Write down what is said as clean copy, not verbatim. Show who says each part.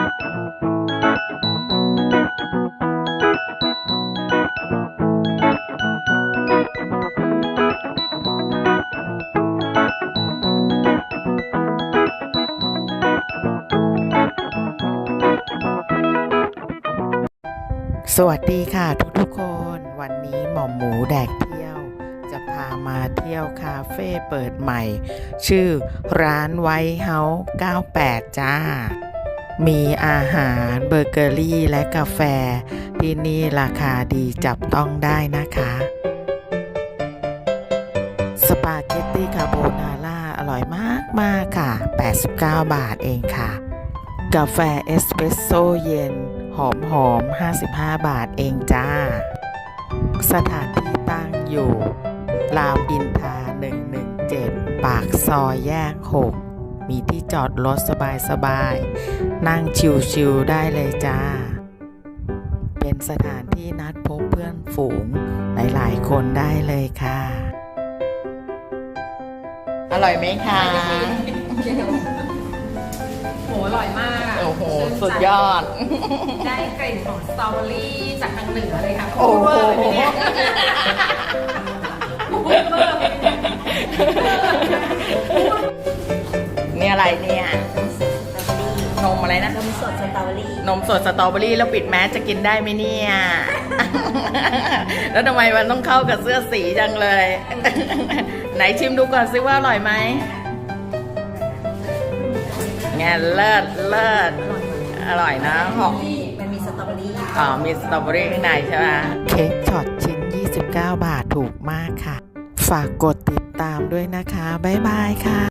Speaker 1: สวัสดีค่ะทุกๆคนวันนี้หม่อมหมูแดกเที่ยวจะพามาเที่ยวคาเฟ่เปิดใหม่ชื่อร้านไวท์เฮาส์98จ้ามีอาหารเบเกอรี่และกาแฟที่นี่ราคาดีจับต้องได้นะคะสปาเกตตี้คาโบนาร่าอร่อยมากค่ะ89 บาทเองค่ะกาแฟเอสเปรสโซ่เย็นหอม55 บาทเองจ้าสถานที่ตั้งอยู่รามอินทรา117ปากซอยแยก6มีที่จอดรถสบายๆนั่งชิลๆได้เลยจ้าเป็นสถานที่นัดพบเพื่อนฝูงหลายๆคนได้เลยค่ะอร่อยไหมคะ
Speaker 2: โหอร่อยมาก
Speaker 1: โอ้โหสุดยอด
Speaker 2: ได้กลิ่นของสตรอเบอรี่จากทางเหนือเลยค่ะ
Speaker 1: โอ้โหนี่อะไรเนี่ยนมอะไรนะ
Speaker 3: นมสดสตรอเบอรี่
Speaker 1: นมสดสตรอเบอรี่แล้วปิดแมสจะกินได้ไหมเนี่ยแล้วทำไมมันต้องเข้ากับเสื้อสีจังเลยไหนชิมดูก่อนซิว่าอร่อยไหมไงเลิศอร่อยนะหอม
Speaker 3: มันมีสตรอเบอรี่
Speaker 1: มีสตรอเบอรี่ข้างในใช่ไหมเค้กช็อตชิ้น29 บาทถูกมากค่ะฝากกดติดตามด้วยนะคะบ๊ายบายค่ะ